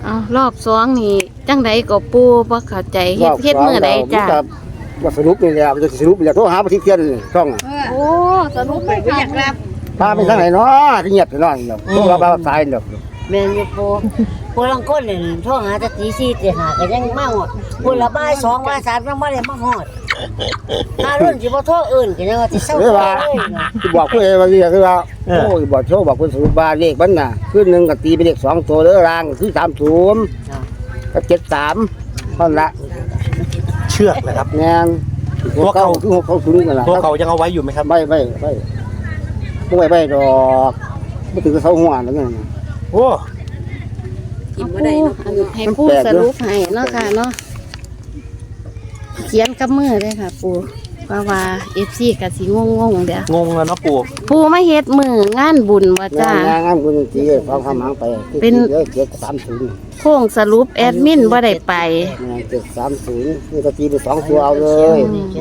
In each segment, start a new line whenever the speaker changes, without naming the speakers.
เอารอบสองนี่จังใดก็ปูบ่เข้าใจเฮ็ดมื้อใดจ้า
ว่าสรุปนี่แหละจะสรุปอยากโทรหาประเทศเทียนช่อง
โอ้สรุปไม่อยากรับ
พาไปทางไหนเนาะที่เงียบไปนอนเนาะพวกเราสายเนาะ
แม่นอยู่ปูลังคนนี่โทรหาแต่ตี4ตี5ก็ยังมาฮอดปูละบ่าย2บ่าย3ยังบ่ได้มาฮอดถ้ารุ่นสิบ่โทรอื่นก็ยังว่าสิเซาเลย
ที่บอกเพิ่นว่าคือว่าโอ้ยบอกโชว์บอกเพิ่นสรุปว่าเลขมันน่ะคือ1ก็ตีเป็นเลข2ตัวเด้อรางคือ30กับ73นั่นละ
เชือกนะครับ
แม่นตัวเก่าคือ620นั่นล่ะ
ตัวเก่ายังเอาไว้อยู่ไหมครับ
ไม่ดอกบ่ถึงกับเสาหัวนั่นน่ะ
โอ้
กินบ่ได้เนาะให้ปูสรุปให้เนาะค่ะเนาะเขียนกับมือเลยค่ะปูว่า FC ก็สิงงๆเด้อง
งแล้วเนาะปู่
ปูมาเฮ็ดมื้องานบุญบ่จ้าง
านบุญสิฟังคำหางไปเป็น730
โค้งสรุปแอดมินบ่ได้ไป
730นี่ก็ตีไป2ตัวเอาเลย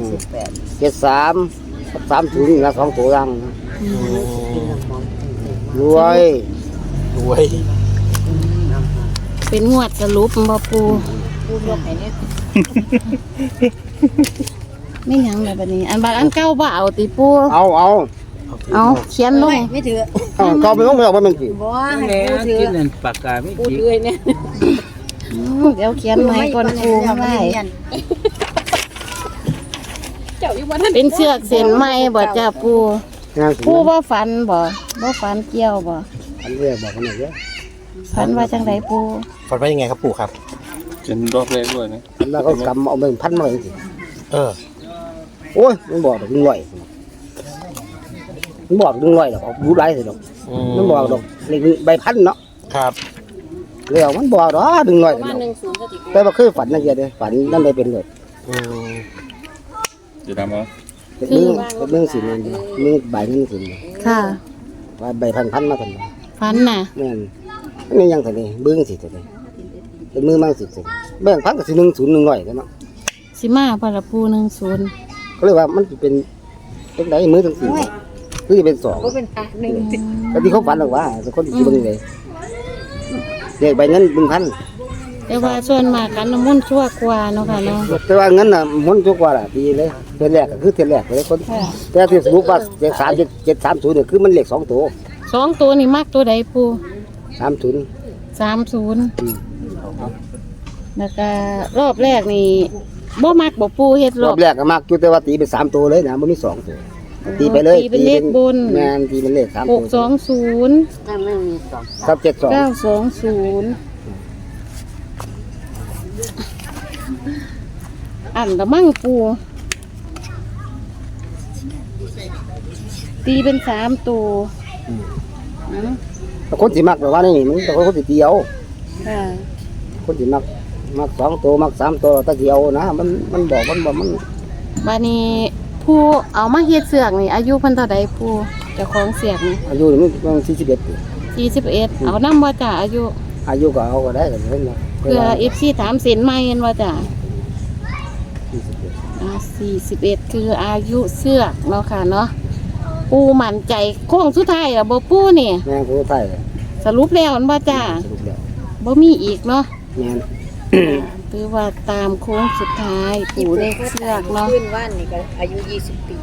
73กับ30นะ2ตัวรังรวย
เป็นงวดสรุปบ่ปูยกให้เนี่ยไม่หยังเลยบัดนี้อันบางอันเก่าบ่เอาติปูเอาเขียนลง
ไม่ถือ
เก่าไม่ต้องเอาไปมันสิ
บ่ให้ปูถือ
กินนั่นปากกาไม่
ปูถือเนี่ย
เดี๋ยวเขียนใหม่ก่อนปูไว้เป็นเชือกเส้นใหม่บ่จ้าปูบ่ฝันบ่ฝันเกี่ยวบ่
อันเรียกบอกกันหน่อยเด้อ
ฝันว่าจังไดปู
ฝันว่ายังไงครับปู่ครับ
เป็นรอบแรกด้วยนะ
แล้วก็กำเอา1,000มาจังซี่โอ้ยมันบอกดอก100มันบอก100ดอกรู้หลายสิดอกมันบอกดอกเลขใบพันเนาะ
ครับ
แล้วมันบอกดอก100ดอกแต่ว่าเคยฝันนะเจ้าเด้ฝันนั่นได้เป็นเลย
จะทำเอา
เรื่องสินี่ใบนึงสิ
ค่ะ
ว่าใบพันมากัน
ฝันน่ะ
แม่นนี่ยังซั่นนี่เบิ่งสิซั่นเป็นมือมั่งสิแบ่งพันก็สิ10100กันเนาะ
สิมาบ่ล่ะปู10
ก็เลยว่ามันสิเป็นจังได๋มือจังซี่คือสิเป็น2
บ่เป็น1
ก็ที่เขาฝันหรอกว่าแต่คนสิเบิ่งได้เลขใบนั้น1,000
แต่ว่าส่วนมากกันน้ำมนต์ชั่วกว่าเนาะค่ะเนาะ
แต่ว่าเงินน่ะมันชั่วกว่าล่ะดีเลยเทื่อแรกก็คือเทื่อแรกเลยคนแต่ที่สรุปว่า730เนี่ยคือมันเลข2ตัว
2ตัวนี่มักตัวใดปู
30
แล้วก็รอบแรกนี่บ่มักบ่ปูเฮ็ด
รอบแรกก็มักอยู่แต่ว่าตีเป็น3ตัวเลยนะบ่มี2ตัวตีไปเลย
ตีเป็นเลขบน
แม่นตีเป็นเลข3ตัว
620
ถ้าไม่มี2
ครับ
920อันละมั่งปูตีเป็น3ตัว
แต่คนสิมักแบบว่านี่มันแต่คนสิเดียวคนสิมัก2ตัวมัก3ตัวตะเดียวนะมันบอกมัน
บัดนี้ผู้เอามาเฮ็ดเสือกนี่อายุเพิ่นเท่าใดผู้เจ้าของเสือกนี่
อายุมัน
41เอานำบ่จ้าอายุ
ก็เอาก็ได้กันเพิ่น
เพื่อ FC ถามเส้นใหม่เห็นว่าจ้า41คืออายุเสือกเนาะค่ะเนาะปูมั่นใจโค้งสุดท้ายอ่ะบ่ปูนี่
แม่นโค้งสุดท้าย
สรุปแล้วมันบ่จ้าบ่มีอีกเนาะ
แม่น
คือว่าตามโค้งสุดท้ายปูเลขเสือกเนาะ
ขึ้นว่านนี่ก็อายุ20ปี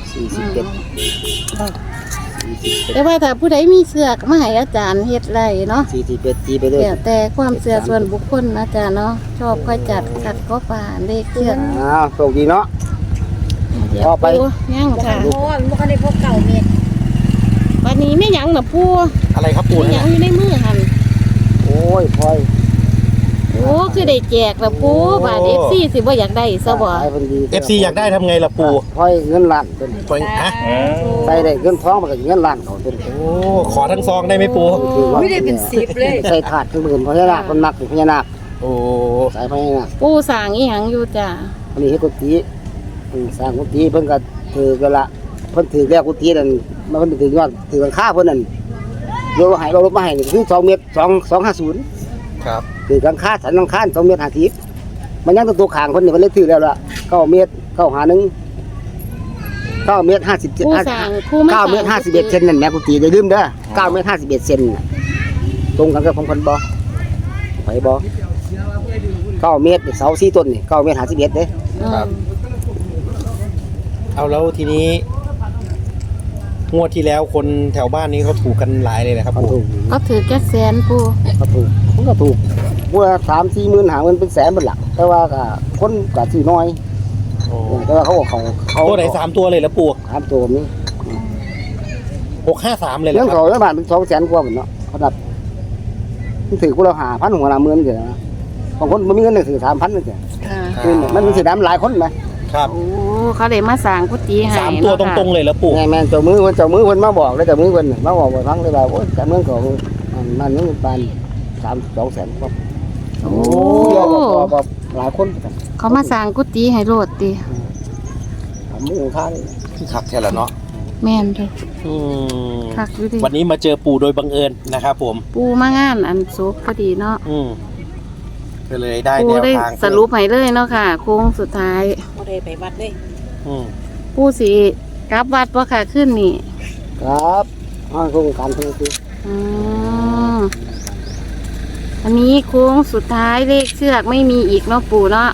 แต่ว่าถ้าผู้ใดมีเสือกมาให้อาจารย์เฮ็ดไรเนาะ
41ตีไปเลย
แต่ความเชื่อส่วนบุคคลนะจ๊ะเนาะชอบค่อยจัดขัดก็ป่าเลขเสือก
โชคดีเนาะ
พอไปยังค่ะ
โอ้ยมันก็ได้พบเก่าเม็ด
วันนี้ไม่ยังน่ะปู
อะไรครับปู
ไม่ยังอยู่ในมือหั่น
โอ้ยพลอย
โอ้คือได้แจกละปูบาท FC สิบ่อยากได้ซะบ่
FC อยากได้ทำไงล่ะปู
พลอยเงินล้าน
ต้นฮะ
ใส่ได้เงินทองมันก็เงินล้านเขาต้น
โอ้ขอทั้งซองได้ไหมปู
ไม่ได้เป็น10เลย
ใส่ถาดเป็นหมื่นพญานาคคนมักพญานาค
โอ้
ใส่พญานาค
ปูสร้างอีหยังอยู่จ้ะ
อันนี้เฮ็ดกุฏิสร้างกุฏิเพิ่นก็ถือกันละเพิ่นถือแล้วกุฏินั่นมันเพิ่นถือยอดถือหลังคาเพิ่นนั่นเราลบมาให้คือ2เมตร250
ครับ
ถือหลังคาสันหลังคา2เมตร50มันยังตัวข้างเพิ่นนี่เพิ่นเลยถือแล้วล่ะ9เมตร9เมตร57 9เมตร51เซนนั่นแม่กุฏิอย่าลืมเด้อ9เมตร51เซนตรงกันกับของเพิ่นบ่ไปบ่9 เมตรเสา4ต้นนี่9 เมตร51เด้
ครับ เอาแล้วทีนี้งวดที่แล้วคนแถวบ้านนี้เขาถูกกันหลายเลยนะครับ
เขา
ปู่
ถูก
ก็ถือแค่แสนปู
เขาถูกมันก็ถูกบัว3-4 หมื่นหาเงินเป็นแสนเป็นหลักแต่ว่าก็คนก็ซื้อน้อย
โอ้
แต่ว่าเขา
ตัวไหน3 ตัวเลยแล้วปู่
3 ตัวนี้
653เลยเหร
เรื่
อ
อง
ค
เขา
รับ
ในบ้านเป็น200,000 กว่าหมดเนาะเขานับมันถือกูเรา5,000 หัวละหมื่นเสียนะบางคนบ่มีเงินเลยถือ 3,000เลยเสีย
ค่ะ
คือมันสิได้หลายคนนะ
ครับ
โอ้เขาเลยมาสั่งกุฏิให้
3 ตัวตรงๆเลยแล้วปู่
แม่นเจ้ามือเพิ่นมาบอกแล้วเจ้ามือเพิ่นมาบอกว่าฟังเลยว่าโอ้ยแต่เมืองเขามันนึงปาน200,000 กว่า
โอ้
บ่หลายคน
เขามาสั่งกุฏิให้โลดติ
ทำมือข้าง
ขับแค่ละเนาะ
แม่นเด้อ
อืม
คักอยู่ดิ
วันนี้มาเจอปู่โดยบังเอิญนะครับผม
ปูมางานอันศพพอดีเนาะ
ก็เลยได้
ปู
แนว
ได้
ทาง
สรุปให้เลยเนาะค่ะ โค้งสุดท้าย
บ่ได้ไปวัดเลย
อืม
ปูสิกลับวัดบ่ค่ะขึ้นนี่
ครับโครงการเพิ่นคือ
อืมอันนี้โค้งสุดท้ายเลขเชือกไม่มีอีกเนาะปูเนาะ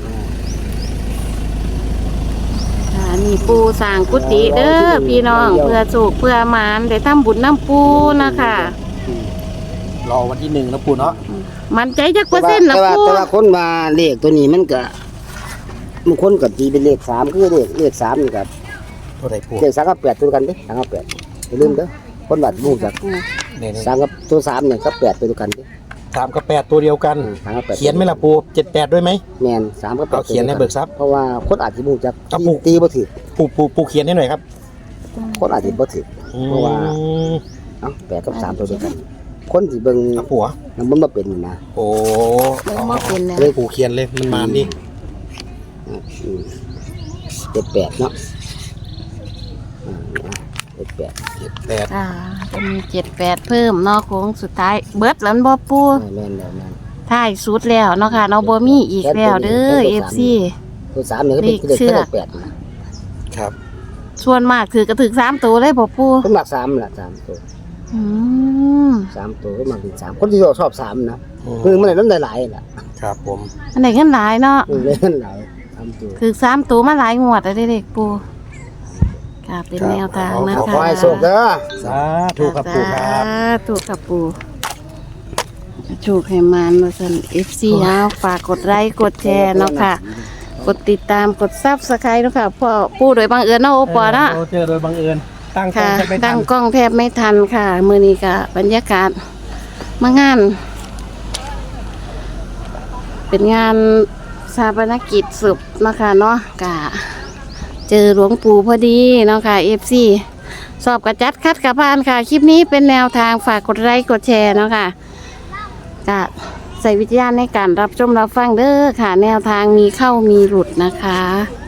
ค่ะนี่ปูสร้างกุฏิเด้อพี่น้องเพื่อโศกเพื่อหมานได้ทำบุญน้ำปูนะคะ
รอวันที่1นะปู่เนาะ
มันใจจักเปอร์เซ็นต์ละปู
แต่ว่าคนมาเลขตัวนี้มันก็บางคนก็ตีเป็นเลข3คือเลข3นี่ก็
ตัวไหนปู่
เลข3กับ8ตัวกันเด้3กับ8อย่าลืมเด้อคนบัดรู้จัก
เนี่ย
3กับตัว3นี่กับ8ตัวกันเด้
3 กับ 8 ตัวเดียวกัน
3กับ8
เขียนไหมล่ะปู่78ด้วยไหม
แม่น3กับ8
เอาเขียนให้เบิกทรัพย์
เพราะว่าคนอาจสิบ่รู้จัก
ครับผม
ตีบ่ถูก
ปู่เขียนให้หน่อยครับ
คนอาจสิบ่ถูก เพราะว่า เอ้า8กับ3ตัวเดียวกัน คนที่เบิ่ง
ครับปู่
มันบ่เป็นนี่นะ
โอ้
เบิ่งบ่เป็นแล้ว
เลยปู่เขียนเลยมันมานี่
78เนาะ78
78
อ่าจะมี78เพิ่มเนาะโค้งสุดท้ายเบิดแล้วบ่ปู
แม่นแล้วแม่น
ท้ายสุดแล้วเนาะค่ะเนาะบ่มีอีกแล้วเด้อ FC
ตัว3นี่ก็เป็น
เลขเชื
เล
อก
ข8นะครับ
ส่วนมากถือกระถึก3ตัวเลยบ่ปู
คนมัก3ล่ะ3ตัว
อืม
3ตัวก็มักเป็น3คนที่ชอบ3นะคือมันได้น้ำหลายๆล่ะ
ครับผม
อันไหนกันหลายเนาะ
เลยน้ำหลาย3ตัว
ถือ3ตัวมาหลายงวดแล้วเด้เด็กปูค่ะเป็นแนวทางนะ
ขอ
คะ
ให้โชคเด้อ
สาธุครับปู่ครับ
ถูกครับปูถูกให้มันว่าซั่น FC เอาฝากกดไลค์กดแชร์เนาะค่ะ กดติดตามกด Subscribe เนาะค่ะพ่อปูโดยบังเอิญเนาะโอปอเนาะ
เจอโดยบังเอิญตั้งกล้อ
ค่ะ
งแทบไม่ทั
ตั้
น
งกล้องแทบไม่ทันค่ะ มื้อนี้ก็บรรยากาศมางาน เป็นงานชาปนกิจศพเนาะค่ะเนาะกะเจอหลวงปู่พอดีเนาะค่ะ FC สอบกระจัดคัดกระพานค่ะ คลิปนี้เป็นแนวทางฝากกดไลค์กดแชร์เนาะค่ะกะใส่วิจารณ์ในการรับชมรับฟังเด้อค่ะ แนวทางมีเข้ามีหลุดนะคะ